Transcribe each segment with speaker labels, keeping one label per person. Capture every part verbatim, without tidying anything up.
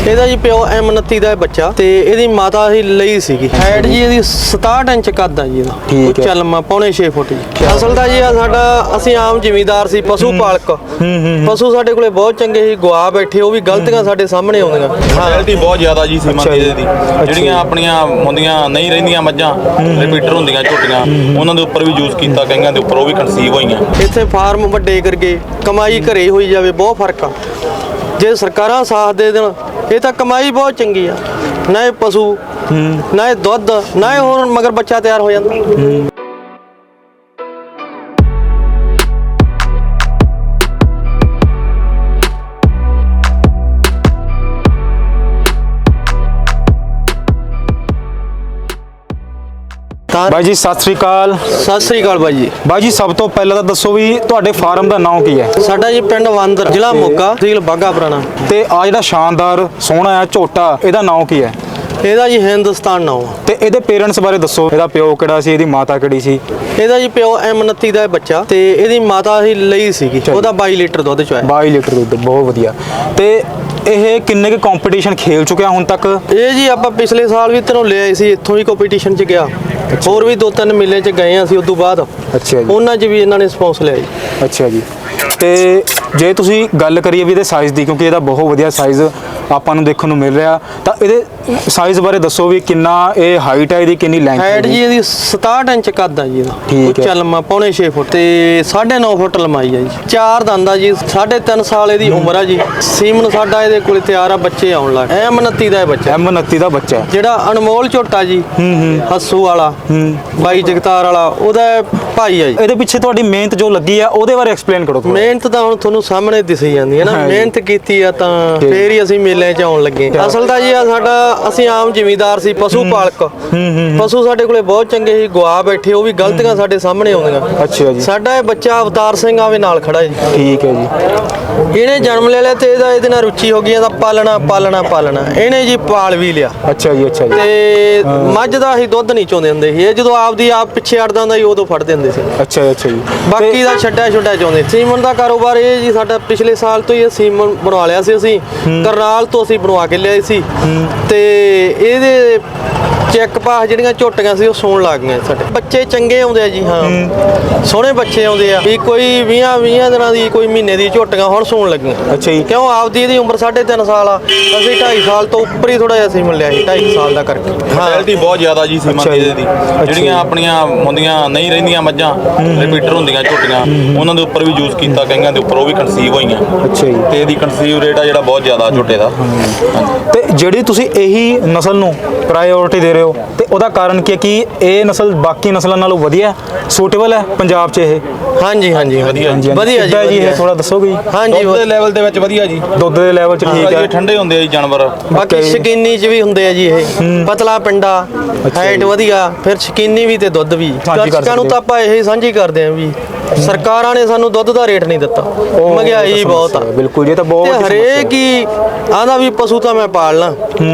Speaker 1: ਇਹਦਾ ਜੀ ਪਿਓ ਐਮ ਉਨੱਤੀ ਦਾ ਬੱਚਾ ਤੇ ਇਹਦੀ ਮਾਤਾ ਹੀ ਲਈ ਸੀਗੀ। ਹਾਈਟ ਜੀ ਇਹਦੀ ਸਤਾਹਠ ਇੰਚ ਕੱਦ ਆ ਜੀ ਇਹਦਾ।
Speaker 2: ਠੀਕ ਹੈ।
Speaker 1: ਉੱਚਾ ਲੰਮਾ ਪੌਣੇ ਛੇ ਫੁੱਟ ਜੀ। ਅਸਲ ਦਾ ਜੀ ਆ ਸਾਡਾ ਅਸੀਂ ਆਮ ਜ਼ਿਮੀਂਦਾਰ ਸੀ, ਪਸ਼ੂ ਪਾਲਕ। ਪਸ਼ੂ ਸਾਡੇ ਕੋਲੇ ਬਹੁਤ ਚੰਗੇ ਸੀ, ਗਵਾ ਬੈਠੇ, ਉਹ ਵੀ ਗਲਤੀਆਂ ਸਾਡੇ ਸਾਹਮਣੇ ਆਉਂਦੀਆਂ।
Speaker 3: ਕੁਆਲਿਟੀ ਬਹੁਤ ਜ਼ਿਆਦਾ ਜੀ ਸੀਮਾ ਦੀ ਇਹਦੀ। ਜਿਹੜੀਆਂ ਆਪਣੀਆਂ ਹੁੰਦੀਆਂ ਨਹੀਂ ਰਹਿੰਦੀਆਂ ਮੱਝਾਂ ਰਿਪੀਟਰ ਹੁੰਦੀਆਂ ਝੋਟੀਆਂ, ਉਹਨਾਂ ਦੇ ਉੱਪਰ ਵੀ ਯੂਜ਼ ਕੀਤਾ, ਕਈਆਂ ਦੇ ਉੱਪਰ ਉਹ ਵੀ ਕਨਸੀਵ ਹੋਈਆਂ।
Speaker 1: ਇੱਥੇ ਫਾਰਮ ਵੱਡੇ ਕਰਕੇ ਕਮਾਈ ਘਰੇ ਹੋਈ ਜਾਵੇ, ਬਹੁਤ ਫਰਕ ਆ। ਜੇ ਸਰਕਾਰਾਂ ਸਾਥ ਦੇ ਦੇਣ ਇਹ ਤਾਂ ਕਮਾਈ ਬਹੁਤ ਚੰਗੀ ਆ। ਨਾ ਇਹ ਪਸ਼ੂ ਨਾ ਇਹ ਦੁੱਧ ਨਾ ਇਹ ਹੋਰ ਮਗਰ ਬੱਚਾ ਤਿਆਰ ਹੋ ਜਾਂਦਾ।
Speaker 2: ਬਾਈ ਜੀ ਸਤਿ ਸ੍ਰੀ ਅਕਾਲ।
Speaker 1: ਸਤਿ ਸ੍ਰੀ ਅਕਾਲ ਬਾਈ ਜੀ।
Speaker 2: ਬਾਈ ਜੀ ਸਭ ਤੋਂ ਪਹਿਲਾਂ ਤਾਂ ਦੱਸੋ ਵੀ ਤੁਹਾਡੇ ਫਾਰਮ ਦਾ ਨਾਮ ਕੀ ਹੈ?
Speaker 1: ਸਾਡਾ ਜੀ ਪਿੰਡ ਵਾਂਦਰ, ਜ਼ਿਲ੍ਹਾ ਮੋਗਾ, ਤਹਿਸੀਲ ਬਾਘਾ ਪੁਰਾਣਾ।
Speaker 2: ਤੇ ਆ ਜਿਹੜਾ ਸ਼ਾਨਦਾਰ ਸੋਹਣਾ ਹੈ ਝੋਟਾ, ਇਹਦਾ ਨਾਮ ਕੀ ਹੈ?
Speaker 1: ਇਹਦਾ ਜੀ ਹਿੰਦੁਸਤਾਨ ਨਾਮ ਆ।
Speaker 2: ਤੇ ਇਹਦੇ ਪੇਰੈਂਟਸ ਬਾਰੇ ਦੱਸੋ, ਇਹਦਾ ਪਿਓ ਕਿਹੜਾ ਸੀ, ਇਹਦੀ ਮਾਤਾ ਕਿਹੜੀ ਸੀ?
Speaker 1: ਇਹਦਾ ਜੀ ਪਿਓ ਐਮ ਉਨੱਤੀ ਦਾ ਬੱਚਾ ਤੇ ਇਹਦੀ ਮਾਤਾ ਹੀ ਲਈ ਸੀਗੀ। ਉਹਦਾ ਬਾਈ ਲੀਟਰ ਦੁੱਧ ਚੋਇਆ।
Speaker 2: ਬਾਈ ਲੀਟਰ ਦੁੱਧ, ਬਹੁਤ ਵਧੀਆ। ਤੇ ਇਹ ਕਿੰਨੇ ਕੁ ਕੰਪੀਟੀਸ਼ਨ ਖੇਲ ਚੁੱਕਿਆ ਹੁਣ ਤੱਕ?
Speaker 1: ਇਹ ਜੀ ਆਪਾਂ ਪਿਛਲੇ ਸਾਲ ਵੀ ਤੈਨੂੰ ਲੈ ਆਏ ਸੀ, ਇੱਥੋਂ ਹੀ ਕੰਪੀਟੀਸ਼ਨ 'ਚ ਗਿਆ। ਹੋਰ ਵੀ ਦੋ ਤਿੰਨ ਮੇਲੇ 'ਚ ਗਏ ਅਸੀਂ ਉਸ ਤੋਂ ਬਾਅਦ।
Speaker 2: ਅੱਛਾ ਜੀ।
Speaker 1: ਉਹਨਾਂ 'ਚ ਵੀ ਇਹਨਾਂ ਨੇ ਸਪੌਂਸ ਲਿਆ ਜੀ।
Speaker 2: ਅੱਛਾ ਜੀ। ਤੇ ਜੇ ਤੁਸੀਂ ਗੱਲ ਕਰੀਏ ਵੀ ਇਹਦੇ ਸਾਈਜ਼ ਦੀ, ਕਿਉਂਕਿ ਇਹਦਾ ਬਹੁਤ ਵਧੀਆ ਸਾਈਜ਼ ਆਪਾਂ ਨੂੰ ਦੇਖਣ ਨੂੰ ਮਿਲ ਰਿਹਾ, ਤਾਂ ਇਹਦੇ ਸਾਈਜ਼ ਬਾਰੇ ਦੱਸੋ ਵੀ ਕਿੰਨਾ ਇਹ ਹਾਈਟ ਹੈ, ਇਹਦੀ ਕਿੰਨੀ ਲੈਂਥ ਹੈ?
Speaker 1: ਹਾਈਟ ਜੀ ਇਹਦੀ ਸਤਾਹਠ ਇੰਚ ਕੱਦ ਆ ਜੀ ਇਹਦਾ।
Speaker 2: ਠੀਕ ਹੈ।
Speaker 1: ਉੱਚਾ ਲੰਮਾ ਪੌਣੇ ਛੇ ਫੁੱਟ ਤੇ ਸਾਢੇ ਨੌ ਫੁੱਟ ਲੰਮਾਈ ਆ ਜੀ। ਚਾਰ ਦੰਦ ਆ ਜੀ, ਸਾਢੇ ਤਿੰਨ ਸਾਲ ਇਹਦੀ ਉਮਰ ਆ ਜੀ। ਸੀਮਨ ਸਾਡਾ ਇਹਦੇ ਕੋਲੇ ਤਿਆਰ ਆ, ਬੱਚੇ ਆਉਣ ਲੱਗ। ਐਮ ਉਨੱਤੀ ਦਾ ਇਹ ਬੱਚਾ,
Speaker 2: ਐਮ ਉਨੱਤੀ ਦਾ ਬੱਚਾ ਹੈ।
Speaker 1: ਜਿਹੜਾ ਅਨਮੋਲ ਝੋਟਾ ਜੀ ਹੱਸੂ ਵਾਲਾ, ਬਾਈ ਜਗਤਾਰ ਵਾਲਾ, ਉਹਦਾ ਭਾਈ ਆ ਜੀ।
Speaker 2: ਇਹਦੇ ਪਿੱਛੇ ਤੁਹਾਡੀ ਮਿਹਨਤ ਜੋ ਲੱਗੀ ਆ ਉਹਦੇ ਬਾਰੇ ਐਕਸਪਲੇਨ ਕਰੋ ਥੋੜ੍ਹਾ।
Speaker 1: ਮਿਹਨਤ ਤਾਂ ਹੁਣ ਤੁਹਾਨੂੰ ਸਾਹਮਣੇ ਦਿਸੀ ਜਾਂਦੀ ਹੈ ਨਾ। ਮਿਹਨਤ ਕੀਤੀ ਆ ਤਾਂ ਫੇਰ ਹੀ ਅਸੀਂ ਮੇਲਿਆਂ 'ਚ ਆਉਣ ਲੱਗੇ। ਅਸਲ ਦਾ ਜੀ ਆ ਸਾਡਾ ਅਸੀਂ ਆਮ ਜ਼ਿਮੀਂਦਾਰ ਸੀ, ਪਸ਼ੂ ਪਾਲਕ। ਪਸ਼ੂ ਸਾਡੇ ਕੋਲੇ ਬਹੁਤ ਚੰਗੇ ਸੀ, ਗਵਾ ਬੈਠੇ, ਉਹ ਵੀ ਗਲਤੀਆਂ ਸਾਡੇ ਸਾਹਮਣੇ ਆਉਂਦੀਆਂ।
Speaker 2: ਅੱਛਾ ਜੀ।
Speaker 1: ਸਾਡਾ ਇਹ ਬੱਚਾ ਅਵਤਾਰ ਸਿੰਘ ਆਵੇ ਨਾਲ ਖੜਾ ਜੀ।
Speaker 2: ਠੀਕ ਹੈ ਜੀ।
Speaker 1: ਇਹਨੇ ਜਨਮ ਲੈ ਲਿਆ ਤੇ ਇਹਦਾ ਇਹਦੇ ਨਾਲ ਰੁਚੀ ਹੋ ਗਈ, ਇਹਦਾ ਪਾਲਣਾ ਪਾਲਣਾ ਪਾਲਣਾ। ਇਹਨੇ ਜੀ ਪਾਲ ਵੀ ਲਿਆ।
Speaker 2: ਅੱਛਾ ਜੀ। ਅੱਛਾ ਜੀ।
Speaker 1: ਤੇ ਮੱਝ ਦਾ ਅਸੀਂ ਦੁੱਧ ਨਹੀਂ ਚੋਂਦੇ ਹੁੰਦੇ ਸੀ। ਇਹ ਜਦੋਂ ਆਪਦੀ ਆਪ ਪਿੱਛੇ ਅੜਦਾ ਹੁੰਦਾ ਸੀ ਉਦੋਂ ਫੜਦੇ ਹੁੰਦੇ ਸੀ।
Speaker 2: ਅੱਛਾ ਜੀ। ਅੱਛਾ ਜੀ।
Speaker 1: ਬਾਕੀ ਦਾ ਛੱਡਿਆ ਛੁੱਡਿਆ ਚਾਹੁੰਦੇ। ਸੀਮਨ ਦਾ ਕਾਰੋਬਾਰ ਇਹ ਜੀ ਸਾਡਾ ਪਿਛਲੇ ਸਾਲ ਤੋਂ ਹੀ ਸੀਮਨ ਬਣਵਾ ਲਿਆ ਸੀ ਅਸੀਂ। ਕਰਨਾਲ ਤੋਂ ਅਸੀਂ ਬਣਵਾ ਕੇ ਲਿਆਏ ਸੀ ਤੇ ਇਹਦੇ ਚੈੱਕ ਪਾਸ ਜਿਹੜੀਆਂ ਝੋਟੀਆਂ ਸੀ ਉਹ ਸੌਣ ਲੱਗ ਗਈਆਂ। ਸਾਡੇ ਬੱਚੇ ਚੰਗੇ ਆਉਂਦੇ ਆ ਜੀ। ਹਾਂ, ਸੋਹਣੇ ਬੱਚੇ ਆਉਂਦੇ ਆ ਵੀ। ਕੋਈ ਵੀਹਾਂ ਵੀਹਾਂ ਦਿਨਾਂ ਦੀ, ਕੋਈ ਮਹੀਨੇ ਦੀ ਝੋਟੀਆਂ ਹੁਣ ਸੌਣ ਲੱਗੀਆਂ।
Speaker 2: ਅੱਛਾ ਜੀ।
Speaker 1: ਕਿਉਂ ਆਪਦੀ ਇਹਦੀ ਉਮਰ ਸਾਢੇ ਤਿੰਨ ਸਾਲ ਆ, ਅਸੀਂ ਢਾਈ ਸਾਲ ਤੋਂ ਉੱਪਰ ਹੀ ਥੋੜਾ ਜਿਹਾ ਸੀਮਨ ਲਿਆ ਸੀ, ਢਾਈ ਸਾਲ ਦਾ ਕਰਕੇ।
Speaker 3: ਕੁਆਲਿਟੀ ਬਹੁਤ ਜ਼ਿਆਦਾ ਜੀ ਸੀਮਾ ਦੀ ਇਹਦੀ। ਜਿਹੜੀਆਂ ਆਪਣੀਆਂ ਹੁੰਦੀਆਂ ਨਹੀਂ ਰਹਿੰਦੀਆਂ ਮੱਝਾਂ ਰਿਪੀਟਰ ਹੁੰਦੀਆਂ ਝੋਟੀਆਂ, ਉਹਨਾਂ ਦੇ ਉੱਪਰ ਵੀ ਯੂਜ਼ ਕੀਤਾ, ਕਈਆਂ ਦੇ ਉੱਪਰ ਉਹ ਵੀ ਕਨਸੀਵ ਹੋਈਆਂ।
Speaker 2: ਅੱਛਾ ਜੀ।
Speaker 3: ਤੇ ਇਹਦੀ ਕਨਸੀਵ ਰੇਟ ਆ ਜਿਹੜਾ ਬਹੁਤ ਜ਼ਿਆਦਾ ਝੋਟੇ ਦਾ।
Speaker 2: ਤੇ ਜਿਹੜੀ ਤੁਸੀਂ ਇਹੀ ਨਸਲ ਨੂੰ ਪ੍ਰਾਇੋਰਟੀ ਦੇ ਰਹੇ ਹੋ, ਤੇ ਉਹਦਾ ਕਾਰਨ ਕੀ ਹੈ ਕਿ ਇਹ ਨਸਲ ਬਾਕੀ ਨਸਲਾਂ ਨਾਲੋਂ ਵਧੀਆ ਸੂਟੇਬਲ ਹੈ ਪੰਜਾਬ 'ਚ ਇਹ?
Speaker 1: ਹਾਂਜੀ ਹਾਂਜੀ
Speaker 3: ਵਧੀਆ ਜੀ।
Speaker 2: ਵਧੀਆ ਜੀ। ਇਹ ਥੋੜਾ ਦੱਸੋਗੇ ਜੀ।
Speaker 1: ਹਾਂਜੀ,
Speaker 3: ਦੁੱਧ ਦੇ ਲੈਵਲ ਦੇ ਵਿੱਚ ਵਧੀਆ ਜੀ।
Speaker 2: ਦੁੱਧ ਦੇ ਲੈਵਲ 'ਚ ਠੀਕ ਹੈ।
Speaker 3: ਠੰਡੇ ਹੁੰਦੇ ਆ ਜੀ ਜਾਨਵਰ।
Speaker 1: ਬਾਕੀ ਸ਼ਕੀਨੀ 'ਚ ਵੀ ਹੁੰਦੇ ਆ ਜੀ। ਇਹ ਪਤਲਾ ਪਿੰਡਾ, ਹਾਈਟ ਵਧੀਆ, ਫਿਰ ਸ਼ਕੀਨੀ ਵੀ ਤੇ ਦੁੱਧ ਵੀ। ਦਰਸ਼ਕਾਂ ਨੂੰ ਤਾਂ ਆਪਾਂ ਇਹ ਸਾਂਝੀ ਕਰਦੇ ਆਂ ਵੀ ਸਰਕਾਰਾਂ ਨੇ ਸਾਨੂੰ ਦੁੱਧ ਦਾ ਰੇਟ ਨਹੀਂ ਦਿੱਤਾ। ਮਹਿੰਗਾਈ ਬਹੁਤ ਆ।
Speaker 2: ਬਿਲਕੁਲ ਜੀ। ਤਾਂ ਬਹੁਤ
Speaker 1: ਹਰੇਕ ਹੀ ਆਂਦਾ ਵੀ ਪਸ਼ੂ ਤਾਂ ਮੈਂ ਪਾਲਣਾ,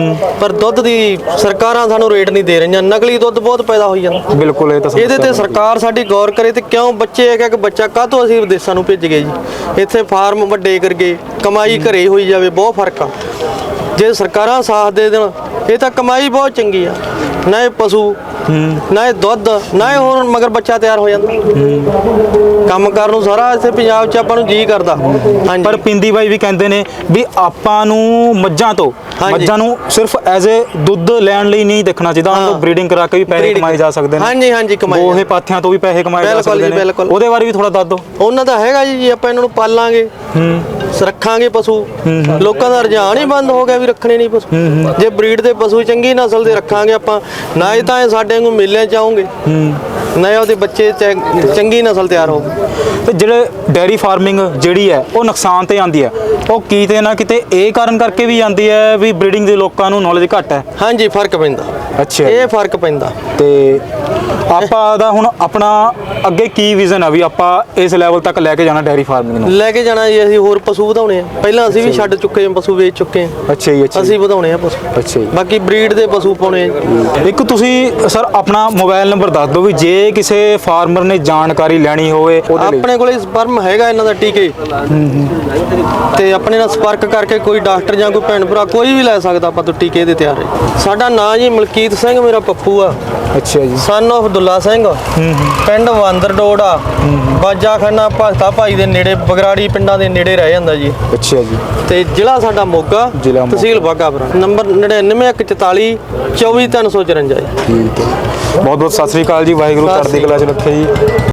Speaker 1: ਪਰ ਦੁੱਧ ਦੀ ਸਰਕਾਰਾਂ ਸਾਨੂੰ ਰੇਟ ਨਹੀਂ ਦੇ ਰਹੀਆਂ। ਨਕਲੀ ਦੁੱਧ ਬਹੁਤ ਪੈਦਾ ਹੋਈ ਜਾਂਦਾ।
Speaker 2: ਬਿਲਕੁਲ। ਇਹ ਤਾਂ
Speaker 1: ਇਹਦੇ ਤੇ ਸਰਕਾਰ ਸਾਡੀ ਗੌਰ ਕਰੇ। ਤੇ ਕਿਉਂ ਬੱਚੇ ਇੱਕ ਇੱਕ ਬੱਚਾ ਕਾਹਤੋਂ ਅਸੀਂ ਵਿਦੇਸ਼ਾਂ ਨੂੰ ਭੇਜ ਗਏ ਜੀ? ਇੱਥੇ ਫਾਰਮ ਵੱਡੇ ਕਰਕੇ ਕਮਾਈ ਘਰੇ ਹੋਈ ਜਾਵੇ, ਬਹੁਤ ਫਰਕ ਆ। ਜੇ ਸਰਕਾਰਾਂ ਸਾਥ ਦੇ ਦੇਣ ਇਹ ਤਾਂ ਕਮਾਈ ਬਹੁਤ ਚੰਗੀ ਆ। ਨਾ ਇਹ ਪਸ਼ੂ ਨਾ ਇਹ ਦੁੱਧ ਨਾ ਇਹ ਹੋਰ ਮਗਰ ਬੱਚਾ ਤਿਆਰ ਹੋ ਜਾਂਦਾ। ਕੰਮ ਕਰਨ ਨੂੰ ਸਾਰਾ ਇੱਥੇ ਪੰਜਾਬ 'ਚ ਆਪਾਂ ਨੂੰ ਜੀ ਕਰਦਾ। ਹਾਂਜੀ।
Speaker 2: ਪਰ ਪਿੰਦੀ ਬਾਈ ਵੀ ਕਹਿੰਦੇ ਨੇ ਵੀ ਆਪਾਂ ਨੂੰ ਮੱਝਾਂ ਤੋਂ ਮੱਝਾਂ ਨੂੰ ਸਿਰਫ ਐਜ਼ ਏ ਦੁੱਧ ਲੈਣ ਲਈ ਨਹੀਂ ਦੇਖਣਾ ਚਾਹੀਦਾ, ਉਹਨਾਂ ਤੋਂ ਬਰੀਡਿੰਗ ਕਰਾ ਕੇ ਵੀ ਪੈਸੇ ਕਮਾਏ ਜਾ ਸਕਦੇ ਨੇ।
Speaker 1: ਹਾਂਜੀ ਹਾਂਜੀ, ਕਮਾਏ।
Speaker 2: ਗੋਹੇ ਪਾਥਿਆਂ ਤੋਂ ਵੀ ਪੈਸੇ ਕਮਾਏ ਜਾ ਸਕਦੇ ਨੇ। ਉਹਦੇ ਬਾਰੇ ਵੀ ਥੋੜਾ ਦੱਸ ਦਿਓ।
Speaker 1: ਉਹਨਾਂ ਦਾ ਹੈਗਾ ਜੀ, ਜੇ ਆਪਾਂ ਇਹਨਾਂ ਨੂੰ ਪਾਲਾਂਗੇ, ਰੱਖਾਂਗੇ ਪਸ਼ੂ। ਲੋਕਾਂ ਦਾ ਰੁਝਾਨ ਹੀ ਬੰਦ ਹੋ ਗਿਆ ਵੀ ਰੱਖਣੇ ਨਹੀਂ ਪਸ਼ੂ। ਜੇ ਬਰੀਡ ਦੇ ਪਸ਼ੂ ਚੰਗੀ ਨਸਲ ਦੇ ਰੱਖਾਂਗੇ ਆਪਾਂ, ਨਾ ਹੀ ਤਾਂ ਇਹ ਸਾਡੇ ਨੂੰ ਮੇਲਿਆਂ 'ਚ ਆਉਂਗੇ, ਨਾ ਉਹਦੇ ਬੱਚੇ ਚੰਗੀ ਨਸਲ ਤਿਆਰ ਹੋਊ।
Speaker 2: ਤੇ ਜਿਹੜੇ ਡੇਅਰੀ ਫਾਰਮਿੰਗ ਜਿਹੜੀ ਹੈ ਉਹ ਨੁਕਸਾਨ ਤੇ ਆਉਂਦੀ ਹੈ, ਉਹ ਕਿਤੇ ਨਾ ਕਿਤੇ ਇਹ ਕਾਰਨ ਕਰਕੇ ਵੀ ਆਉਂਦੀ ਹੈ ਵੀ ਬਰੀਡਿੰਗ ਦੇ ਲੋਕਾਂ ਨੂੰ ਨੌਲੇਜ ਘੱਟ ਹੈ।
Speaker 1: ਹਾਂਜੀ, ਫਰਕ ਪੈਂਦਾ।
Speaker 2: ਅੱਛਾ।
Speaker 1: ਇਹ ਫਰਕ ਪੈਂਦਾ।
Speaker 2: ਤੇ ਆਪਾਂ ਦਾ ਹੁਣ ਆਪਣਾ ਅੱਗੇ ਕੀ ਵਿਜ਼ਨ ਆ ਵੀ ਆਪਾਂ ਇਸ ਲੈਵਲ ਤੱਕ ਲੈ ਕੇ ਜਾਣਾ ਡੈਰੀ ਫਾਰਮਿੰਗ ਨੂੰ?
Speaker 1: ਲੈ ਕੇ ਜਾਣਾ ਜੀ, ਅਸੀਂ ਹੋਰ ਪਸ਼ੂ ਵਧਾਉਣੇ ਆ। ਪਹਿਲਾਂ ਅਸੀਂ ਵੀ ਛੱਡ ਚੁੱਕੇ ਹਾਂ, ਪਸ਼ੂ ਵੇਚ ਚੁੱਕੇ ਹਾਂ।
Speaker 2: ਅੱਛਾ ਜੀ, ਅੱਛਾ
Speaker 1: ਅਸੀਂ ਵਧਾਉਣੇ ਆ ਪਸ਼ੂ।
Speaker 2: ਅੱਛਾ ਜੀ।
Speaker 1: ਬਾਕੀ ਬਰੀਡ ਦੇ ਪਸ਼ੂ ਪਾਉਣੇ ਆ ਜੀ।
Speaker 2: ਇੱਕ ਤੁਸੀਂ ਸਰ ਆਪਣਾ ਮੋਬਾਈਲ ਨੰਬਰ ਦੱਸ ਦਿਓ ਵੀ ਜੇ ਕਿਸੇ ਫਾਰਮਰ ਨੇ ਜਾਣਕਾਰੀ ਲੈਣੀ ਹੋਵੇ ਉਹਦੇ ਲਈ।
Speaker 1: ਆਪਣੇ ਕੋਲੇ ਸਪਰਮ ਹੈਗਾ ਇਹਨਾਂ ਦਾ ਟੀਕੇ, ਤੇ ਆਪਣੇ ਨਾਲ ਸੰਪਰਕ ਕਰਕੇ ਕੋਈ ਡਾਕਟਰ ਜਾਂ ਕੋਈ ਭੈਣ ਭਰਾ ਕੋਈ ਵੀ ਲੈ ਸਕਦਾ, ਆਪਾਂ ਤੋਂ ਟੀਕੇ ਦੇ ਤਿਆਰ ਹੈ। ਸਾਡਾ ਨਾਂ ਜੀ ਮਲਕੀਤ ਸਿੰਘ, ਮੇਰਾ ਪੱਪੂ ਆ।
Speaker 2: ਅੱਛਾ ਜੀ।
Speaker 1: ਸਨ ਆਫ ਦੁੱਲਾ ਸਿੰਘ, ਪਿੰਡ ਵਾਂਦਰ ਡੋੜਾ, ਬਾਜਾਖਾਨਾ ਭਗਤਾ ਭਾਈ ਦੇ ਨੇੜੇ, ਬਗਰਾੜੀ ਪਿੰਡਾਂ ਦੇ ਨੇੜੇ ਰਹਿ ਜਾਂਦਾ ਜੀ।
Speaker 2: ਅੱਛਾ ਜੀ।
Speaker 1: ਤੇ ਜ਼ਿਲ੍ਹਾ ਸਾਡਾ ਮੋਗਾ,
Speaker 2: ਜ਼ਿਲ੍ਹਾ ਮੋਗਾ।
Speaker 1: ਤਹਿਸੀਲ ਬਾਘਾਪੁਰਾ। ਨੰਬਰ ਨੜਿਨਵੇਂ ਇੱਕ ਚੁਤਾਲੀ ਚੌਵੀ ਤਿੰਨ ਸੌ ਚੁਰੰਜਾ ਜੀ।
Speaker 2: ਠੀਕ ਹੈ, ਬਹੁਤ ਬਹੁਤ ਸਤਿ ਸ੍ਰੀ ਅਕਾਲ ਜੀ। ਵਾਹਿਗੁਰੂ ਚੜ੍ਹਦੀ ਕਲਾ ਚ ਰੱਖੇ ਜੀ।